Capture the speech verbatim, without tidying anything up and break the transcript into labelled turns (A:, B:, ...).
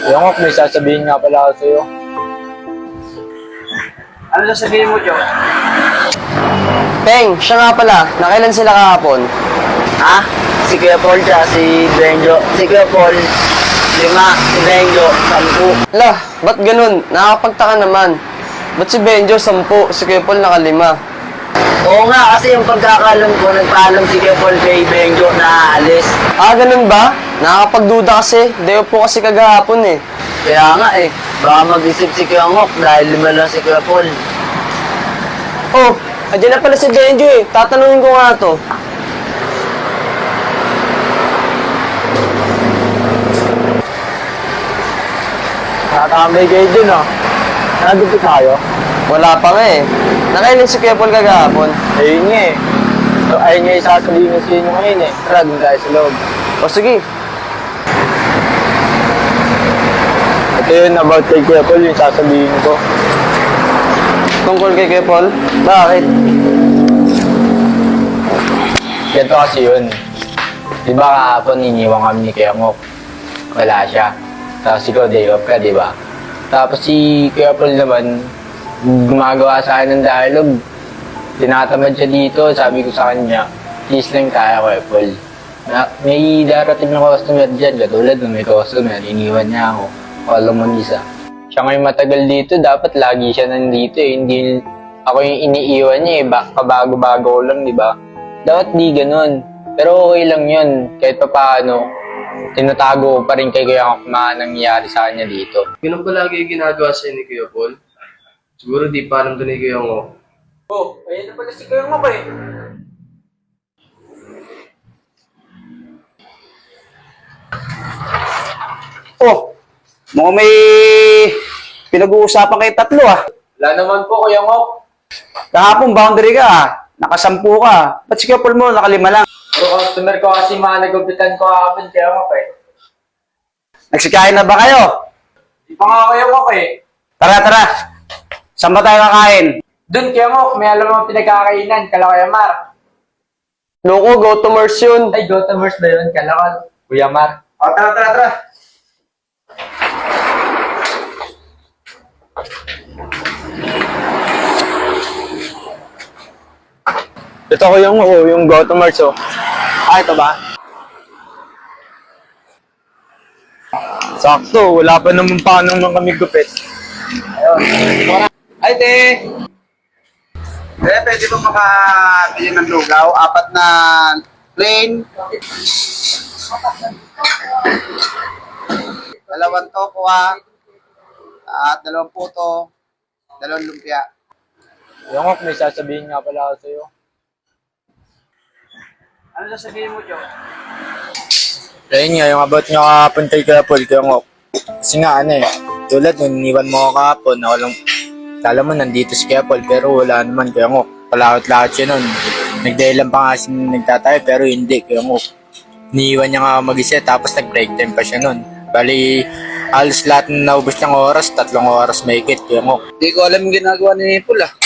A: Yung ok, may sasabihin nga pala ako sa'yo.
B: Ano sasabihin mo, Joe?
C: Peng, siya nga pala. Nakailan sila kahapon?
B: Ha? Si Kuya Paul siya, si Benjo. Si Kuya Paul, lima. Si Benjo, sampu.
C: Lah, ba't ganun? Nakakapagtaka naman. Ba't si Benjo, sampu, si Kuya Paul nakalima?
B: Oo nga, kasi yung pagkakalam ko, nagpaalam si Kuya Paul kay Benjo na aalis.
C: Ah, ganun ba? Nakakapagduda kasi. Dayo po kasi kagahapon eh.
B: Kaya nga eh, baka mag-isip si Kuya Ngok dahil lima lang si Kuya Paul.
C: Oh, andyan na pala si Benjo eh. Tatanungin ko nga to.
A: Nakatambay kayo dun ah. Nandito tayo.
C: Wala pa nga eh. Nakailan si Kuya Paul kagahapon?
A: Ayun nga eh. So, ayun nga yung sasabihin ko sa inyo ngayon eh. Tara, dun tayo sa loob.
C: O sige.
A: Ito yun about kay Kuya Paul, yung sasabihin ko.
C: Tungkol kay Kuya Paul? Bakit?
A: Ganito kasi yun. Di ba kahapon iniwan kami ni Kuya Ngok? Wala siya. Tapos ikaw day off ka, di ba? Tapos si Kuya Paul naman, gumagawa sa akin ng dialogue. Tinatamad siya dito, sabi ko sa kanya, please lang tayo, Kuya Paul. Na, may darating na customer dyan, katulad ng may customer, iniwan niya ako. Walang mag-isa. Siya ngayon matagal dito, dapat lagi siya nandito eh. Hindi ako yung iniiwan niya eh, ba, kabago-bago ko lang, di ba? Dapat di ganun. Pero okay lang yun, kahit pa paano, tinatago ko pa rin kay Kuya kung mga nangyayari sa kanya dito.
D: Ganun ba lagi yung ginagawa sa'yo ni Kuya Paul? Siguro di pa alam doon ni Kuya Ngok.
A: Oh, ayun na pala si Kuya Ngok eh.
B: Oh, mukhang may pinag-uusapan kayo tatlo ah.
A: Wala naman po, Kuya Ngok.
B: Kahapon boundary ka ah. Nakasampu ka. Ba't si Kuya Paul mo nakalima lang?
A: Pero customer ko kasi mga nagupitan ko kahapon, Kuya Ngok eh.
B: Nagsikain na ba kayo?
A: Di pa nga Kuya Ngok eh.
B: Tara, tara. Saan ba tayo kakain?
A: Doon, Kuya Ngok, may alam mo pinagkakainan, kala Kuya Mar.
C: Loko, go to Mars yun.
A: Ay, go to Mars ba yun? Kala ko, Kuya Mar.
B: O, tara, tara, tara.
A: Ito ko yung, oh, yung go to Mars oh.
B: Ah, ito ba?
A: Sakto, wala pa naman paano nang kami gupit.
B: Ay, te! Eh, pwede ba makabili ng lugaw? Apat na plain. Dalawang toko ah. At dalawang puto. Dalawang lumpia.
A: Kuya Ngok, may sasabihin nga pala ako sa'yo.
B: Ano sasabihin mo, Joe?
A: Ayun nga, yung about nyo kahapon kay Kuya Paul, Kuya Ngok. Kasi nga, ano eh, tulad nung iniwan mo ako kahapon, ako lang, kala mo nandito si Kuya Paul, pero wala naman, Kuya Ngok. Palakot-lakot siya nun. Nagdahilan pa nga kasi nagtatayo, pero hindi, Kuya Ngok. Iniwan niya nga mag-isa, tapos nag-break time pa siya nun. Bali, halos lahat na naubos niyang oras, tatlong oras may ikit, Kuya Ngok.
B: Hindi ko alam yung ginagawa ni Paul ah.